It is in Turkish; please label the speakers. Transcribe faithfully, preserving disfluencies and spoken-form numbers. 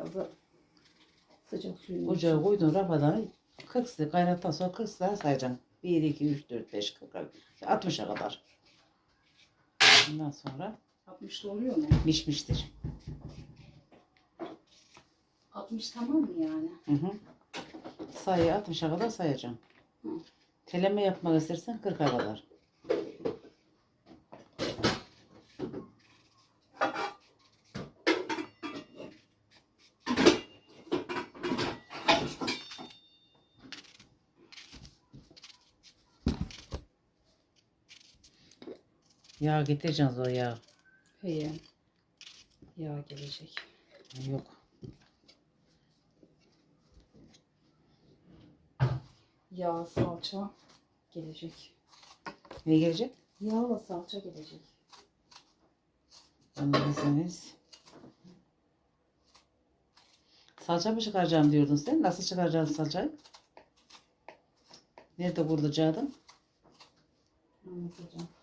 Speaker 1: Biraz da sıcak suyun
Speaker 2: Ocağa
Speaker 1: içine.
Speaker 2: koydun rafadan kırk sıra kaynattıktan sonra kırk sıra sayacaksın. bir, iki, üç, dört, beş, kırk, altmışa kadar. Ondan sonra
Speaker 1: altmışta oluyor mu?
Speaker 2: pişmiştir.
Speaker 1: altmış tamam mı yani?
Speaker 2: Hı hı. Sayı altmışa kadar sayacaksın.
Speaker 1: Hı.
Speaker 2: Teleme yapmak istersen kırka kadar. Yağ getireceğiz o yağ.
Speaker 1: İyi. Yağ gelecek.
Speaker 2: Yok.
Speaker 1: Yağ, salça gelecek.
Speaker 2: Ne gelecek?
Speaker 1: Yağla salça gelecek.
Speaker 2: Anladınız. Salça mı çıkaracağım diyordun sen? Nasıl çıkaracaksın salçayı? Nerede kurulacaktın?
Speaker 1: Anlatacağım.